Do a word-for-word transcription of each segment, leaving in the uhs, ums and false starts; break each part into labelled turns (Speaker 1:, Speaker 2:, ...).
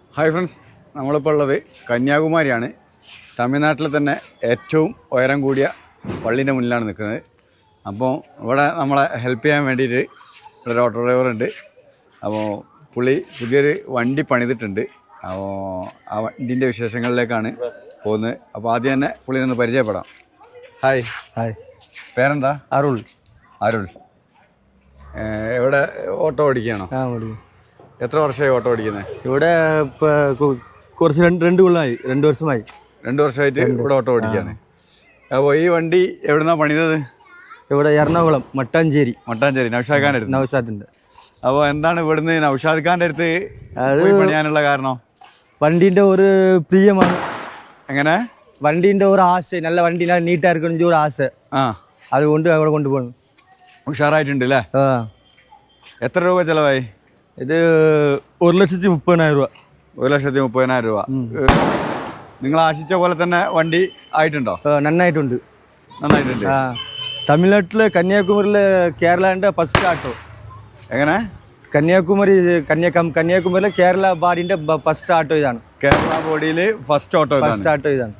Speaker 1: Hi friends, നമ്മളിപ്പോൾ ഉള്ളത് കന്യാകുമാരിയാണ്. തമിഴ്നാട്ടിൽ തന്നെ ഏറ്റവും ഉയരം കൂടിയ പള്ളീൻ്റെ മുന്നിലാണ് നിൽക്കുന്നത്. അപ്പോൾ ഇവിടെ നമ്മളെ ഹെൽപ്പ് ചെയ്യാൻ വേണ്ടിയിട്ട് ഒരു ഓട്ടോ ഡ്രൈവർ ഉണ്ട്. അപ്പോൾ പുള്ളി പുതിയൊരു വണ്ടി പണിതിട്ടുണ്ട്. അപ്പോൾ ആ വണ്ടിൻ്റെ വിശേഷങ്ങളിലേക്കാണ് പോകുന്നത്. അപ്പോൾ ആദ്യം തന്നെ പുള്ളിനെ ഒന്ന് പരിചയപ്പെടാം. ഹായ്.
Speaker 2: ഹായ്.
Speaker 1: പേരെന്താ?
Speaker 2: അരുൾ.
Speaker 1: അരുൾ. എവിടെ ഓട്ടോ ഓടിക്കുകയാണോ?
Speaker 2: ആ ഓടിക്കും.
Speaker 1: എത്ര വർഷമായി ഓട്ടോ ഓടിക്കുന്നത്?
Speaker 2: ഇവിടെ ഇപ്പോൾ കുറച്ച് രണ്ട് രണ്ട് കൊല്ലമായി രണ്ട് വർഷമായി
Speaker 1: രണ്ട് വർഷമായിട്ട് ഇവിടെ ഓട്ടോ ഓടിക്കുകയാണ്. അപ്പോൾ ഈ വണ്ടി എവിടുന്നാണ് പണിതത്?
Speaker 2: ഇവിടെ എറണാകുളം മട്ടാഞ്ചേരി.
Speaker 1: മട്ടാഞ്ചേരി നൗഷാദ് ഖാൻ്റെ അടുത്ത്.
Speaker 2: നൗഷാദിൻ്റെ.
Speaker 1: അപ്പോൾ എന്താണ് ഇവിടുന്ന് നൗഷാദ് ഖാൻ്റെ അടുത്ത് അത് പണിയാനുള്ള കാരണം?
Speaker 2: വണ്ടീൻ്റെ ഒരു പ്രിയമാണ്.
Speaker 1: എങ്ങനെ?
Speaker 2: വണ്ടീൻ്റെ ഒരു ആശ, നല്ല വണ്ടി നല്ല നീറ്റാக இருக்கணும் ഒരു ആശ.
Speaker 1: ആ,
Speaker 2: അതുകൊണ്ട് അവിടെ കൊണ്ടുപോകണം.
Speaker 1: ഉഷാറായിട്ടുണ്ട് അല്ലേ?
Speaker 2: ആ.
Speaker 1: എത്ര രൂപ ചിലവായി?
Speaker 2: ഇത് ഒരു ലക്ഷത്തി മുപ്പതിനായിരം രൂപ.
Speaker 1: ഒരു ലക്ഷത്തി മുപ്പതിനായിരം രൂപ. നിങ്ങൾ ആശിച്ച പോലെ തന്നെ വണ്ടി ആയിട്ടുണ്ടോ?
Speaker 2: നന്നായിട്ടുണ്ട്.
Speaker 1: നന്നായിട്ടുണ്ട്.
Speaker 2: ആ. തമിഴ്നാട്ടിൽ കന്യാകുമാരിയിൽ കേരളൻ്റെ ഫസ്റ്റ് ആട്ടോ.
Speaker 1: എങ്ങനെ?
Speaker 2: കന്യാകുമാരി കന്യാകും കന്യാകുമാരിയിലെ കേരള ബാഡിൻ്റെ ഫസ്റ്റ് ആട്ടോ ഇതാണ്.
Speaker 1: കേരള ബോഡിയിൽ ഫസ്റ്റ് ഓട്ടോ
Speaker 2: ഫസ്റ്റ് ആട്ടോ ഇതാണ്.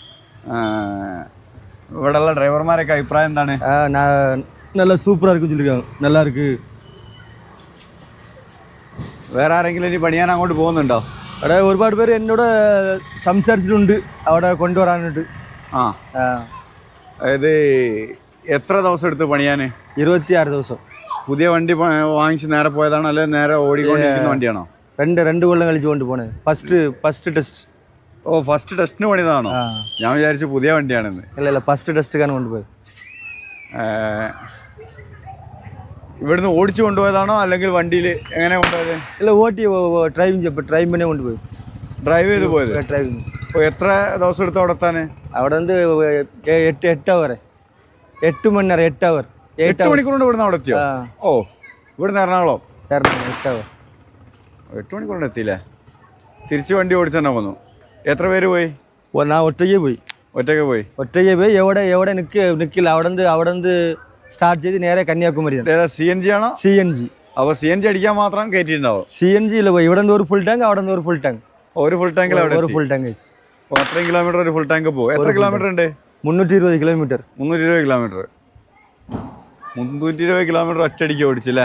Speaker 1: ഇവിടെയുള്ള ഡ്രൈവർമാരൊക്കെ അഭിപ്രായം എന്താണ്?
Speaker 2: നല്ല സൂപ്പറാக இருக்குன்னு சொல்லியிருக்காங்க. நல்லா இருக்கு.
Speaker 1: വേറെ ആരെങ്കിലും ഇനി പണിയാൻ അങ്ങോട്ട് പോകുന്നുണ്ടോ?
Speaker 2: അവിടെ ഒരുപാട് പേര് എന്നോട് സംസാരിച്ചിട്ടുണ്ട് അവിടെ കൊണ്ടുവരാനായിട്ട്.
Speaker 1: ആ. അതായത് എത്ര ദിവസം എടുത്ത് പണിയാൻ?
Speaker 2: ഇരുപത്തിയാറ് ദിവസം.
Speaker 1: പുതിയ വണ്ടി വാങ്ങിച്ച് നേരെ പോയതാണോ അല്ലെങ്കിൽ നേരെ ഓടിക്കൊണ്ടിരിക്കുന്ന വണ്ടിയാണോ?
Speaker 2: രണ്ട് രണ്ട് കൊല്ലം കളിച്ച് കൊണ്ട് പോണേ. First first test.
Speaker 1: ഓ, ഫസ്റ്റ് ടെസ്റ്റിന് പണിയതാണോ? ഞാൻ വിചാരിച്ചു പുതിയ വണ്ടിയാണെന്ന്.
Speaker 2: ഇല്ല ഇല്ല, ഫസ്റ്റ് ടെസ്റ്റിനാണ് കൊണ്ടുപോയത്.
Speaker 1: ഇവിടുന്ന് ഓടിച്ചു കൊണ്ടുപോയതാണോ അല്ലെങ്കിൽ വണ്ടിയിൽ എങ്ങനെ കൊണ്ടുപോയത്?
Speaker 2: ഇല്ല, ഓട്ടി ഡ്രൈവിംഗ് ഡ്രൈവ് തന്നെ കൊണ്ടുപോയി.
Speaker 1: ഡ്രൈവ് ചെയ്ത് പോയത്?
Speaker 2: ഡ്രൈവിംഗ്.
Speaker 1: അപ്പോൾ എത്ര ദിവസം എടുത്ത് അവിടെ എത്താൻ?
Speaker 2: അവിടെ നിന്ന് എട്ട് എട്ട് അവർ എട്ട് മണി നേരം എട്ട് അവർ
Speaker 1: എട്ട് മണിക്കൂർ കൊണ്ട് ഇവിടുന്ന് അവിടെ എത്തിയോ? ഓ, ഇവിടുന്ന് എറണാകുളം
Speaker 2: എറണാകുളം എട്ട് അവർ
Speaker 1: എട്ട് മണിക്കൂർ കൊണ്ട് എത്തിയില്ലേ? തിരിച്ച് വണ്ടി ഓടിച്ചു തന്നെ പോന്നു. എത്ര പേര് പോയി?
Speaker 2: ഞാൻ ഒറ്റയ്ക്ക് പോയി.
Speaker 1: ഒറ്റയ്ക്ക് പോയി
Speaker 2: ഒറ്റയ്ക്ക് പോയി. എവിടെ എവിടെ നിൽക്ക് നിൽക്കില്ല. അവിടെ നിന്ന് അവിടെ നിന്ന് സ്റ്റാർട്ട് ചെയ്ത് നേരെ കന്യാകുമാരി.
Speaker 1: സി എൻ ജി ആണോ?
Speaker 2: C N G.
Speaker 1: അപ്പോൾ സി എൻ ജി അടിക്കാൻ മാത്രം കയറ്റിയിട്ടുണ്ടാവും?
Speaker 2: സി എൻ ജിയിൽ പോയി. ഇവിടെ നിന്ന് ഒരു ഫുൾ ടാങ്ക്, അവിടെ നിന്ന് ഒരു ഫുൾ ടാങ്ക്.
Speaker 1: ഒരു ഫുൾ ടാങ്കിൽ അവിടെ
Speaker 2: ഒരു ഫുൾ ടാങ്ക്.
Speaker 1: അപ്പോൾ അത്രയും കിലോമീറ്റർ ഒരു ഫുൾ ടാങ്ക് പോകും. എത്ര കിലോമീറ്റർ ഉണ്ട്?
Speaker 2: മുന്നൂറ്റി ഇരുപത് കിലോമീറ്റർ.
Speaker 1: മുന്നൂറ്റി ഇരുപത് കിലോമീറ്റർ മുന്നൂറ്റി ഇരുപത് കിലോമീറ്റർ ഒറ്റയടിക്ക് ഓടിച്ചില്ലേ?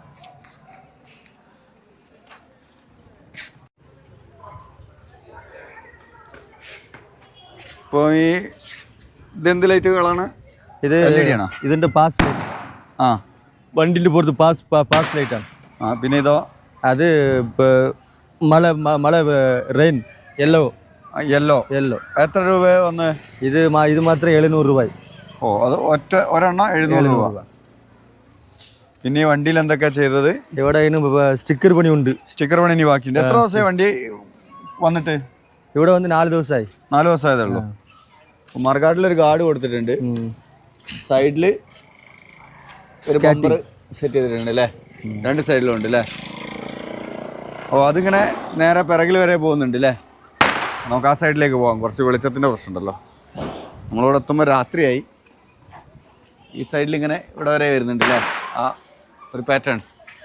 Speaker 1: ഇപ്പോൾ ഈ ഇതെന്ത് ലൈറ്റുകളാണ്?
Speaker 2: ഇത് ഇതിൻ്റെ പാസ് ലൈറ്റ്.
Speaker 1: ആ,
Speaker 2: വണ്ടിൻ്റെ പുറത്ത് പാസ് പാസ് ലൈറ്റാണ്.
Speaker 1: ആ, പിന്നെ ഇതോ?
Speaker 2: അത് മഴ മഴ റെയിൻ യെല്ലോ.
Speaker 1: Yellow
Speaker 2: yellow.
Speaker 1: എത്ര രൂപ വന്ന്?
Speaker 2: ഇത് ഇത് മാത്രം എഴുന്നൂറ് രൂപ.
Speaker 1: ഓ, അത് ഒറ്റ ഒരെണ്ണം എഴുന്നൂറ് രൂപ. പിന്നെ ഈ വണ്ടിയിൽ എന്തൊക്കെയാ ചെയ്തത്?
Speaker 2: ഇവിടെ സ്റ്റിക്കർ പണിയുണ്ട്.
Speaker 1: സ്റ്റിക്കർ പണി ഇനി ബാക്കിയുണ്ട്. എത്ര ദിവസമായി വണ്ടി വന്നിട്ട്?
Speaker 2: ഇവിടെ വന്ന് നാല് ദിവസമായി.
Speaker 1: നാല് ദിവസമായതേ ഉള്ളൂ. മറുകാട്ടിലൊരു ഗാർഡ് കൊടുത്തിട്ടുണ്ട്. സൈഡിൽ ഒരു ബമ്പർ സെറ്റ് ചെയ്തിട്ടുണ്ട് അല്ലേ? രണ്ട് സൈഡിലും ഉണ്ട് അല്ലേ? ഓ, അതിങ്ങനെ നേരെ പിറകിൽ വരെ പോകുന്നുണ്ട് അല്ലേ? നമുക്ക് ആ സൈഡിലേക്ക് പോകാം. കുറച്ച് വെളിച്ചത്തിൻ്റെ പ്രശ്നമുണ്ടല്ലോ. നമ്മളിവിടെ എത്തുമ്പോൾ രാത്രിയായി. ഈ സൈഡിൽ ഇങ്ങനെ ഇവിടെ വരെ വരുന്നുണ്ട് അല്ലേ? ആ ഒരു പാറ്റേൺ.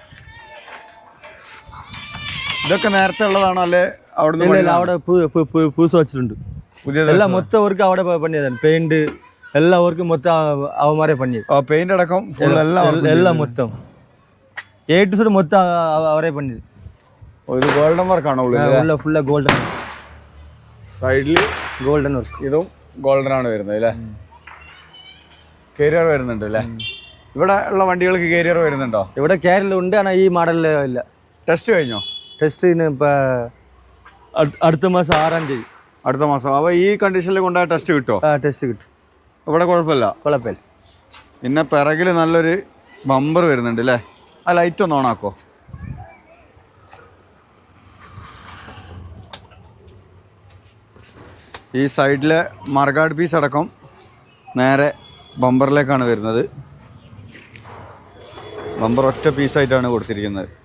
Speaker 1: ഇതൊക്കെ നേരത്തെ ഉള്ളതാണോ അല്ലേ അവിടെ?
Speaker 2: അവിടെ പൂസ് വെച്ചിട്ടുണ്ട്.
Speaker 1: പുതിയ
Speaker 2: എല്ലാം മൊത്തം അവർക്ക് അവിടെ പണിയതാണ്. പെയിന്റ് എല്ലാ വർക്കും മൊത്തം അവന്മാരെ പണിയത്.
Speaker 1: പെയിന്റ് അടക്കം
Speaker 2: എല്ലാം മൊത്തം എ ടു സെഡ് മൊത്തം അവരെ പണിയത്.
Speaker 1: ഇത് ഗോൾഡൻ വർക്കാണോ?
Speaker 2: ഫുള്ള ഗോൾഡൻ.
Speaker 1: സൈഡിൽ
Speaker 2: ഗോൾഡൻ വർക്ക്.
Speaker 1: ഇതും ഗോൾഡൻ ആണ് വരുന്നത് അല്ലേ? കേരിയർ വരുന്നുണ്ട് അല്ലേ? ഇവിടെ ഉള്ള വണ്ടികൾക്ക് കേരിയർ വരുന്നുണ്ടോ?
Speaker 2: ഇവിടെ കേരള ഉണ്ട്, ஆனால் ഈ മോഡലിൽ ഇല്ല.
Speaker 1: ടെസ്റ്റ് കഴിഞ്ഞോ?
Speaker 2: ടെസ്റ്റിന് ഇപ്പോൾ അടുത്ത മാസം ആറാം തീയതി.
Speaker 1: അടുത്ത മാസം. അപ്പോൾ ഈ കണ്ടീഷനിൽ കൊണ്ടുപോയ ടെസ്റ്റ് കിട്ടുമോ?
Speaker 2: ആ, ടെസ്റ്റ് കിട്ടും.
Speaker 1: ഇവിടെ കുഴപ്പമില്ല?
Speaker 2: കുഴപ്പമില്ല.
Speaker 1: പിന്നെ പിറകിൽ നല്ലൊരു ബമ്പർ വരുന്നുണ്ട് അല്ലേ? ആ ലൈറ്റ് ഒന്ന് ഓണാക്കോ. ഈ സൈഡിലെ മർഗാഡ് പീസ് അടക്കം നേരെ ബമ്പറിലേക്കാണ് വരുന്നത്. ബമ്പർ ഒറ്റ പീസായിട്ടാണ് കൊടുത്തിരിക്കുന്നത്.